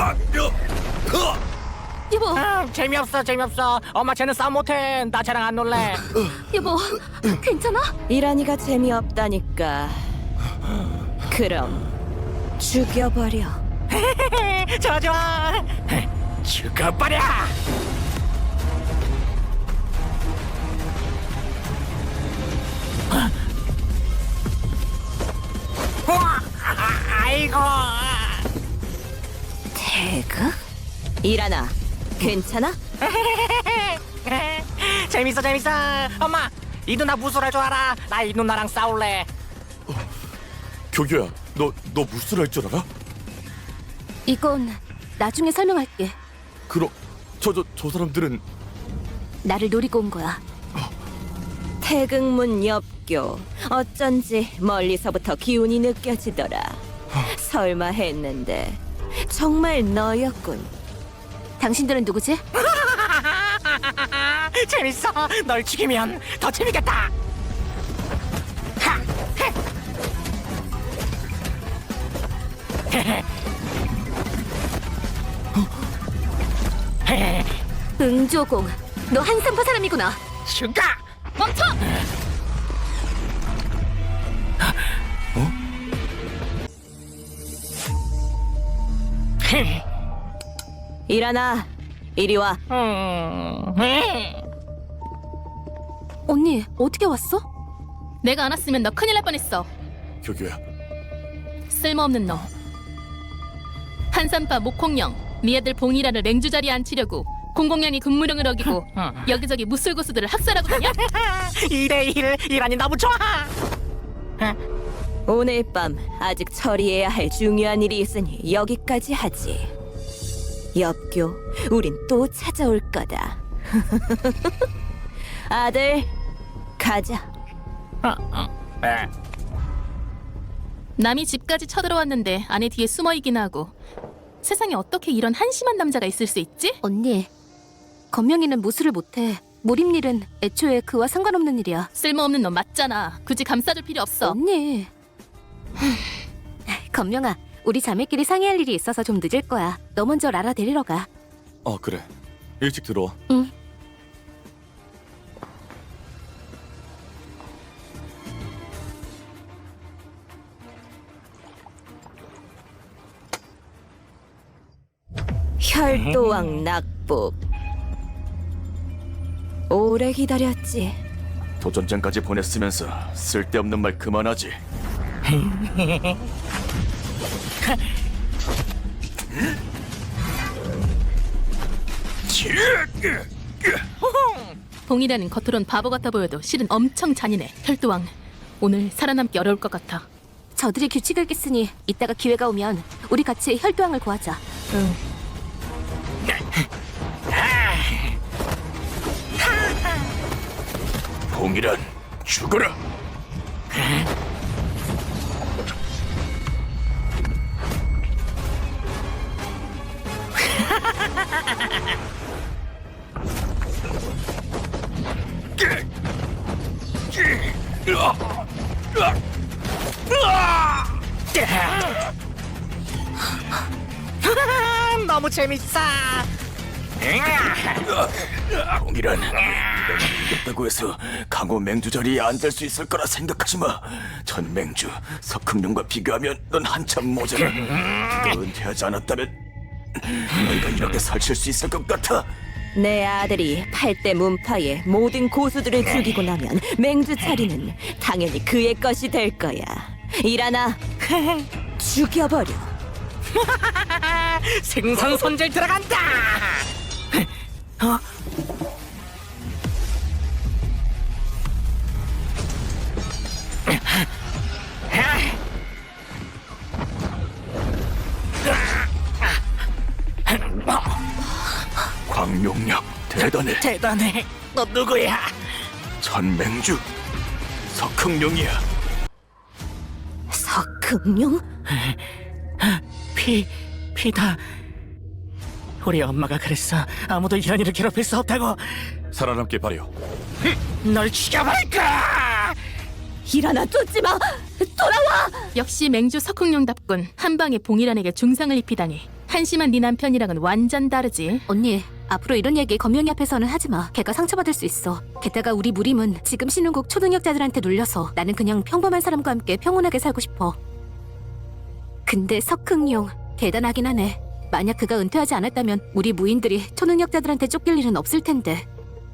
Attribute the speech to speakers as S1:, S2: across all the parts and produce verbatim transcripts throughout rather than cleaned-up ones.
S1: 여보,
S2: 아, 재미없어 재미없어. 엄마 쟤는 싸움 못해. 나 쟤랑 안 놀래.
S1: 여보, 괜찮아?
S3: 이란이가 재미없다니까. 그럼 죽여버려.
S2: 좋아 좋아. 죽어버려. 우와, 아이고.
S3: 태극? 이란아, 괜찮아?
S2: 재밌어 재밌어. 엄마, 이 누나 무술할 줄 알아. 나 이 누나랑 싸울래.
S4: 교교야, 너 너 무술 할 줄 알아?
S1: 이건 나중에 설명할게.
S4: 그럼 저 저 저 사람들은
S1: 나를 노리고 온 거야.
S3: 태극문 엽교. 어쩐지 멀리서부터 기운이 느껴지더라. 설마 했는데 정말 너였군.
S1: 당신들은 누구지?
S2: 재밌어. 널 죽이면 더 재밌겠다. 하, 헤. 헤헤.
S1: 응조공, 너 한산파 사람이구나.
S2: 죽어.
S1: 멈춰!
S2: 헤.
S3: 이란아, 이리 와.
S2: 음, 헤.
S1: 언니, 어떻게 왔어? 내가 안 왔으면 너 큰일 날 뻔했어.
S4: 교교야.
S1: 쓸모없는 놈. 한산파 목콩령, 네 아들 봉이라를 맹주 자리에 앉히려고 공공연히 군무령을 어기고 여기저기 무술고수들을 학살하고 다녀?
S2: 이대일 이란이 너무 좋아.
S3: 오늘 밤 아직 처리해야 할 중요한 일이 있으니 여기까지 하지. 엽교, 우린 또 찾아올 거다. 아들, 가자.
S1: 남이 집까지 쳐들어왔는데 아내 뒤에 숨어있기나 하고. 세상에 어떻게 이런 한심한 남자가 있을 수 있지? 언니, 건명이는 무술을 못해. 몰입일은 애초에 그와 상관없는 일이야. 쓸모없는 놈 맞잖아. 굳이 감싸줄 필요 없어. 언니. 건명아, 우리 자매끼리 상의할 일이 있어서 좀 늦을 거야. 너 먼저 라라 데리러 가.
S4: 어 그래. 일찍 들어와.
S1: 응.
S3: 혈도왕 낙복. 오래 기다렸지.
S4: 도전장까지 보냈으면서 쓸데없는 말 그만하지.
S1: 봉이라는 겉으론 바보 같아 보여도 실은 엄청 잔인해. 혈도왕, 오늘 살아남기 어려울 것 같아. 저들이 규칙을 깼으니 이따가 기회가 오면 우리 같이 혈도왕을 구하자. 응.
S4: 봉이란 죽어라.
S2: 너무 재밌어.
S4: 봉이란 이겼다고 해서 강호 맹주 자리에 앉을 수 있을 거라 생각하지 마. 전 맹주 석흥룡과 비교하면 넌 한참 모자라. 너 은퇴하지 않았다면 너희가 이렇게 살칠 수 있을 것 같아.
S3: 내 아들이 팔대 문파의 모든 고수들을 죽이고 나면 맹주 차리는 당연히 그의 것이 될 거야. 이란아, 죽여버려.
S2: 생선 손질 들어간다. 어?
S4: 광룡력 대단해.
S2: 대단해. 너 누구야?
S4: 전맹주 석흥룡이야.
S3: 석흥룡?
S2: 피, 피다. 우리 엄마가 그랬어. 아무도 이란이를 괴롭힐 수 없다고.
S4: 살아남길 바래요.
S2: 널 죽여버릴까?
S3: 이란아, 쫓지 마! 돌아와!
S1: 역시 맹주 석흥룡답군. 한 방에 봉이란에게 중상을 입히다니. 한심한 네 남편이랑은 완전 다르지.
S5: 언니, 앞으로 이런 얘기 검명이 앞에서는 하지 마. 걔가 상처받을 수 있어. 게다가 우리 무림은 지금 신혼국 초능력자들한테 눌려서 나는 그냥 평범한 사람과 함께 평온하게 살고 싶어. 근데 석흥용 대단하긴 하네. 만약 그가 은퇴하지 않았다면 우리 무인들이 초능력자들한테 쫓길 일은 없을 텐데.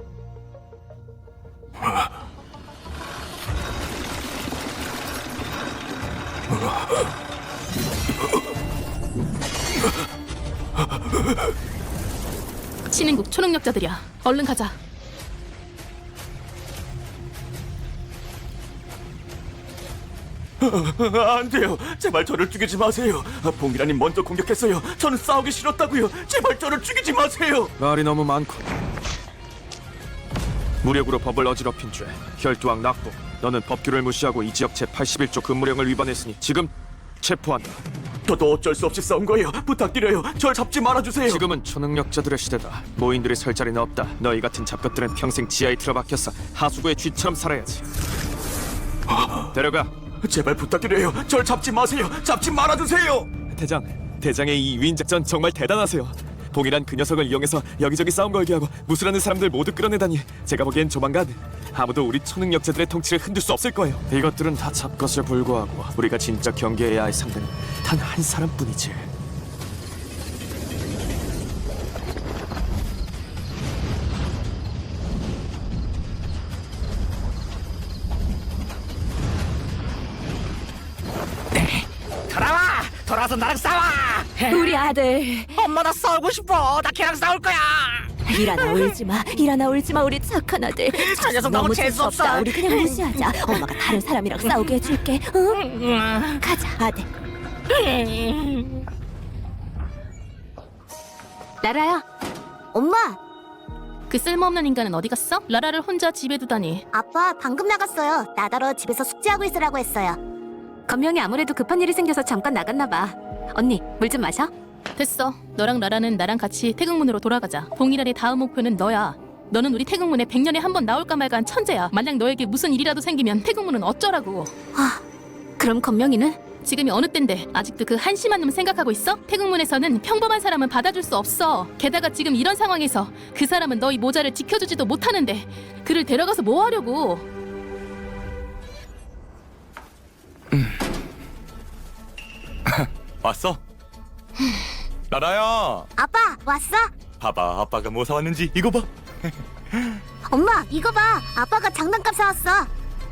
S1: 신인국 초능력자들이야. 얼른 가자.
S4: 안 돼요. 제발 저를 죽이지 마세요. 봉이라니 먼저 공격했어요. 저는 싸우기 싫었다고요. 제발 저를 죽이지 마세요.
S6: 말이 너무 많고 무력으로 법을 어지럽힌 죄, 혈투왕 낙보. 너는 법규를 무시하고 이 지역 제팔십일 조 근무령을 위반했으니 지금 체포한다.
S4: 저도 어쩔 수 없이 싸운 거예요. 부탁드려요. 절 잡지 말아주세요.
S6: 지금은 초능력자들의 시대다. 모인들이 설 자리는 없다. 너희 같은 잡것들은 평생 지하에 틀어박혀서 하수구의 쥐처럼 살아야지. 데려가.
S4: 제발 부탁드려요. 절 잡지 마세요. 잡지 말아주세요.
S6: 대장, 대장의 이 위인 작전 정말 대단하세요. 봉이란 그 녀석을 이용해서 여기저기 싸움 걸게 하고 무술하는 사람들 모두 끌어내다니. 제가 보기엔 조만간 아무도 우리 초능력자들의 통치를 흔들 수 없을 거예요. 이것들은 다 잡것에 불과하고 우리가 진짜 경계해야 할 상대는 단 한 사람뿐이지.
S2: 돌아와! 돌아와서 나랑 싸워!
S3: 우리 아들
S2: 엄마 나 싸우고 싶어. 나 걔랑 싸울 거야.
S3: 일하나 울지마 일하나 울지마 우리 착한 아들.
S2: 저 녀석 너무 재수없어.
S3: 재수없다. 우리 그냥 무시하자. 엄마가 다른 사람이랑 싸우게 해줄게. 응? 가자 아들.
S5: 라라야,
S7: 엄마,
S1: 그 쓸모없는 인간은 어디 갔어? 라라를 혼자 집에 두다니.
S7: 아빠 방금 나갔어요. 나더러 집에서 숙제하고 있으라고 했어요.
S5: 검명이 아무래도 급한 일이 생겨서 잠깐 나갔나 봐. 언니, 물 좀 마셔.
S1: 됐어. 너랑 라라는 나랑 같이 태국문으로 돌아가자. 봉이란의 다음 목표는 너야. 너는 우리 태국문에 백 년에 한 번 나올까 말까 한 천재야. 만약 너에게 무슨 일이라도 생기면 태국문은 어쩌라고.
S5: 아, 그럼 검명이는?
S1: 지금이 어느 때인데 아직도 그 한심한 놈 생각하고 있어? 태국문에서는 평범한 사람은 받아줄 수 없어. 게다가 지금 이런 상황에서 그 사람은 너희 모자를 지켜주지도 못하는데 그를 데려가서 뭐 하려고.
S4: 왔어? 나라야.
S7: 아빠 왔어?
S4: 봐봐, 아빠가 뭐 사왔는지. 이거 봐.
S7: 엄마 이거 봐. 아빠가 장난감 사왔어.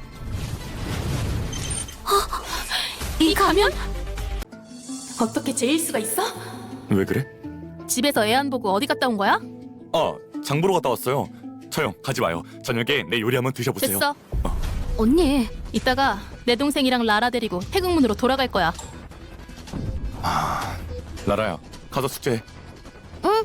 S1: 이 가면? 어떻게 제일 수가 있어?
S4: 왜 그래?
S1: 집에서 애 안 보고 어디 갔다 온 거야?
S4: 아, 장 보러 갔다 왔어요. 처형 가지 마요. 저녁에 내 요리 한번 드셔보세요.
S1: 됐어.
S5: 언니,
S1: 이따가 내 동생이랑 라라 데리고 태국문으로 돌아갈 거야.
S4: 나라야, 가서 숙제해.
S7: 응.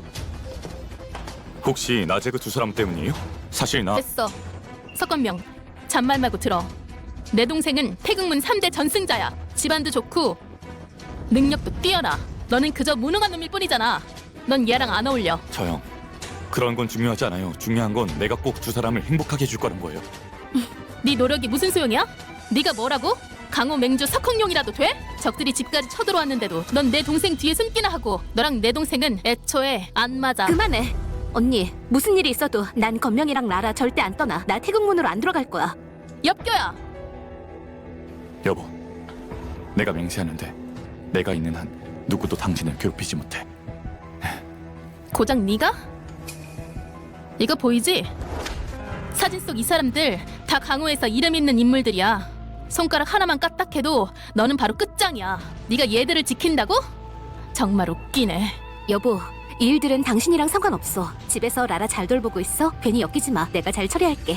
S4: 혹시 낮에 그 두 사람 때문이에요? 사실 나
S1: 됐어. 석건명, 잔말 말고 들어. 내 동생은 태국문 삼 대 전승자야. 집안도 좋고 능력도 뛰어나. 너는 그저 무능한 놈일 뿐이잖아. 넌 얘랑 안 어울려.
S4: 처형, 그런 건 중요하지 않아요. 중요한 건 내가 꼭 두 사람을 행복하게 해줄 거란 거예요.
S1: 네 노력이 무슨 소용이야? 네가 뭐라고? 강호 맹주 석흥룡이라도 돼? 적들이 집까지 쳐들어왔는데도 넌 내 동생 뒤에 숨기나 하고. 너랑 내 동생은 애초에 안 맞아.
S5: 그만해. 언니, 무슨 일이 있어도 난 검명이랑 라라 절대 안 떠나. 나 태국문으로 안 들어갈 거야.
S1: 엽겨야.
S4: 여보, 내가 맹세하는데 내가 있는 한 누구도 당신을 괴롭히지 못해.
S1: 고작 네가? 이거 보이지? 사진 속 이 사람들 다 강호에서 이름 있는 인물들이야. 손가락 하나만 까딱해도 너는 바로 끝장이야. 네가 얘들을 지킨다고? 정말 웃기네.
S5: 여보, 이 일들은 당신이랑 상관없어. 집에서 라라 잘 돌보고 있어. 괜히 엮이지 마. 내가 잘 처리할게.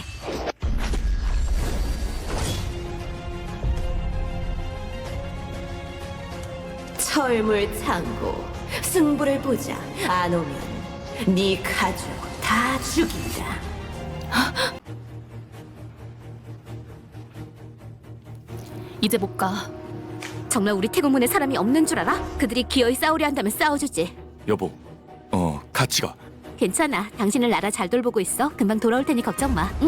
S3: 철물 창고 승부를 보자. 안 오면 네 가족 다 죽인다.
S1: 이제 못 가.
S5: 정말 우리 태국문에 사람이 없는 줄 알아? 그들이 기어이 싸우려 한다면 싸워주지.
S4: 여보, 어 같이 가.
S5: 괜찮아. 당신은 라라 잘 돌보고 있어. 금방 돌아올 테니 걱정 마. 응?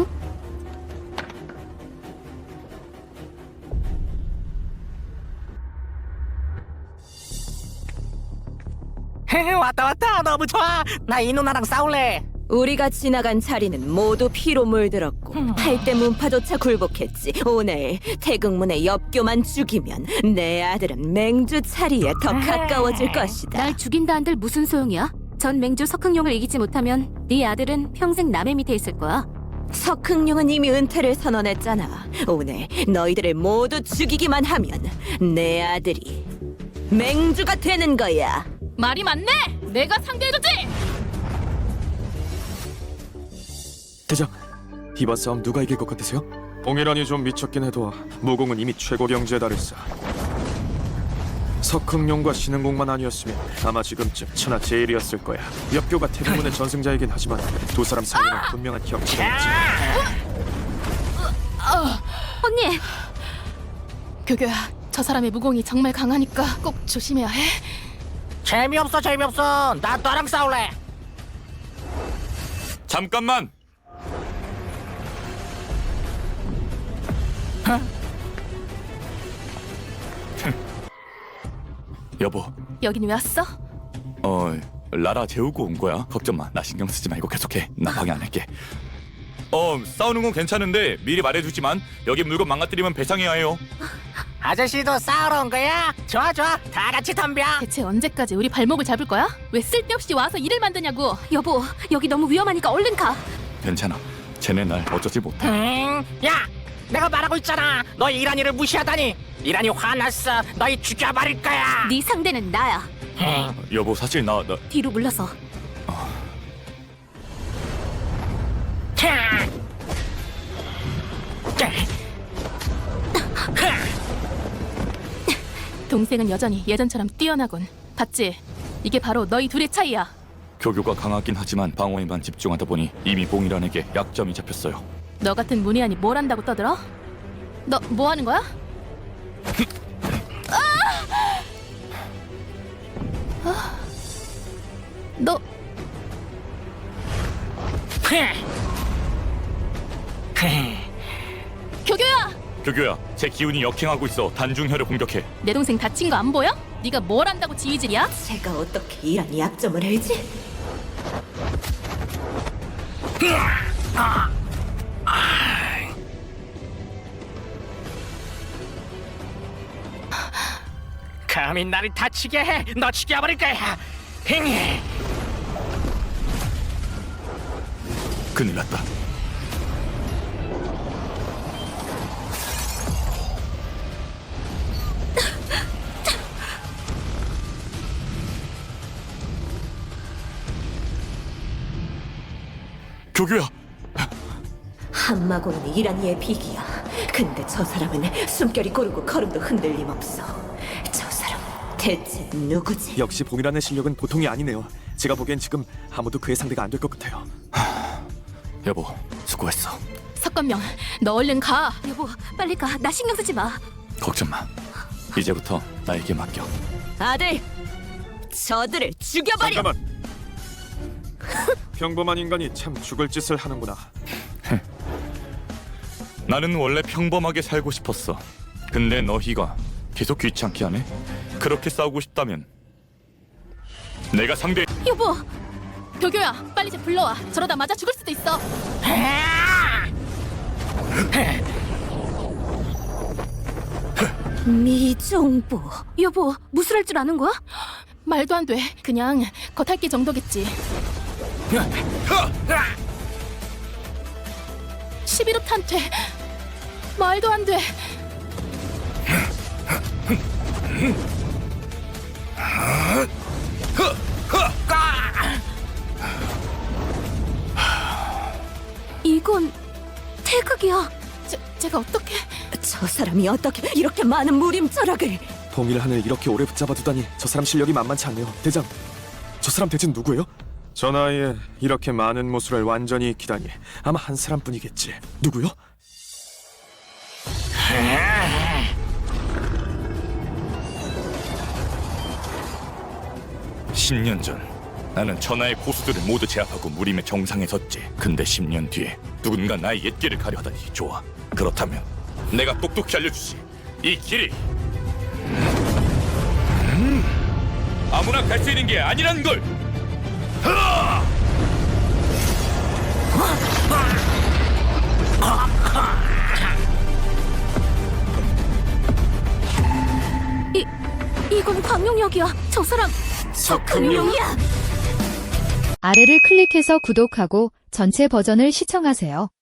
S2: 왔다 왔다 너무 좋아. 나 이 누나랑 싸울래.
S3: 우리가 지나간 자리는 모두 피로 물들었고 팔대 문파조차 굴복했지. 오늘 태극문의 엽교만 죽이면 내 아들은 맹주 차리에 더 가까워질 것이다.
S5: 날 죽인다 한들 무슨 소용이야? 전 맹주 석흥룡을 이기지 못하면 네 아들은 평생 남의 밑에 있을 거야.
S3: 석흥룡은 이미 은퇴를 선언했잖아. 오늘 너희들을 모두 죽이기만 하면 내 아들이 맹주가 되는 거야.
S1: 말이 많네. 내가 상대해주지.
S6: 대장, 이번 싸움 누가 이길 것 같으세요? 봉이란이 좀 미쳤긴 해도 무공은 이미 최고 경지에 달했어. 석흥룡과 신흥공만 아니었으면 아마 지금쯤 천하제일이었을 거야. 엽교가 태릉문의 전승자이긴 하지만 두 사람 사이에는 분명한 격차가 있지.
S5: 언니!
S1: 교교야, 저 사람의 무공이 정말 강하니까 꼭 조심해야 해.
S2: 재미없어 재미없어. 나 너랑 싸울래.
S6: 잠깐만!
S4: 여보,
S1: 여긴 왜 왔어?
S4: 어 라라 재우고 온 거야. 걱정 마. 나 신경 쓰지 말고 계속해. 나 방해 안 할게. 어 싸우는 건 괜찮은데 미리 말해주지만 여기 물건 망가뜨리면 배상해야 해요.
S2: 아저씨도 싸우러 온 거야? 좋아 좋아. 다 같이 덤벼.
S1: 대체 언제까지 우리 발목을 잡을 거야? 왜 쓸데없이 와서 일을 만드냐고.
S5: 여보, 여기 너무 위험하니까 얼른 가.
S4: 괜찮아. 쟤네 날 어쩌지 못해.
S2: 음, 야, 내가 말하고 있잖아. 너 이란이를 무시하다니. 이란이 화났어. 너희 죽여버릴 거야.
S5: 네 상대는 나야.
S4: 여보 사실 나 나.
S5: 뒤로 물러서.
S2: 캬.
S1: 동생은 여전히 예전처럼 뛰어나군. 봤지? 이게 바로 너희 둘의 차이야.
S4: 교교가 강하긴 하지만 방어에만 집중하다 보니 이미 봉이란에게 약점이 잡혔어요.
S1: 너 같은 문희안이 뭘 한다고 떠들어? 너 뭐 하는 거야? 아! 아! 너 교교야!
S4: 교교야, 제 기운이 역행하고 있어. 단중혈을 공격해.
S1: 내 동생 다친 거 안 보여? 네가 뭘 한다고 지휘질이야?
S3: 제가 어떻게 이란이 약점을 알지?
S2: 감히 나를 다치게 해. 너 죽여버릴 거야. 힝.
S4: 큰일 났다. 교교야.
S3: 한마고는 이란이의 비기야. 근데 저 사람은 숨결이 고르고 걸음도 흔들림 없어. 저 사람 대체 누구지?
S6: 역시 봉이란의 실력은 보통이 아니네요. 제가 보기엔 지금 아무도 그의 상대가 안 될 것 같아요.
S4: 여보, 수고했어.
S1: 석건명, 너 얼른 가.
S5: 여보, 빨리 가. 나 신경 쓰지 마.
S4: 걱정 마. 이제부터 나에게 맡겨.
S3: 아들, 저들을 죽여버려.
S6: 잠깐만. 평범한 인간이 참 죽을 짓을 하는구나.
S4: 나는 원래 평범하게 살고 싶었어. 근데 너희가 계속 귀찮게 하네. 그렇게 싸우고 싶다면 내가 상대.
S1: 여보! 교교야, 빨리 쟤 불러와. 저러다 맞아 죽을 수도 있어.
S3: 미종보.
S5: 여보, 무술할 줄 아는 거야?
S1: 말도 안 돼. 그냥 겉핥기 정도겠지. 십일 호 탄퇴. 말도 안 돼.
S5: 이건 태극이야.
S1: 제, 제가 어떻게...
S3: 저 사람이 어떻게 이렇게 많은 무림절학을?
S6: 봉일한을 이렇게 오래 붙잡아두다니 저 사람 실력이 만만치 않네요. 대장, 저 사람 대체 누구예요? 저 나이에 이렇게 많은 무술을 완전히 익히다니 아마 한 사람뿐이겠지. 누구요?
S4: 십 년 전 나는 천하의 고수들을 모두 제압하고 무림의 정상에 섰지. 근데 십 년 뒤에 누군가 나의 옛길을 가려 하다니. 좋아, 그렇다면 내가 똑똑히 알려주지. 이 길이 음.
S8: 아무나 갈 수 있는 게 아니란 걸.
S5: 이 이건 광룡역이야. 저 사람 석흥룡이야.
S9: 아래를 클릭해서 구독하고 전체 버전을 시청하세요.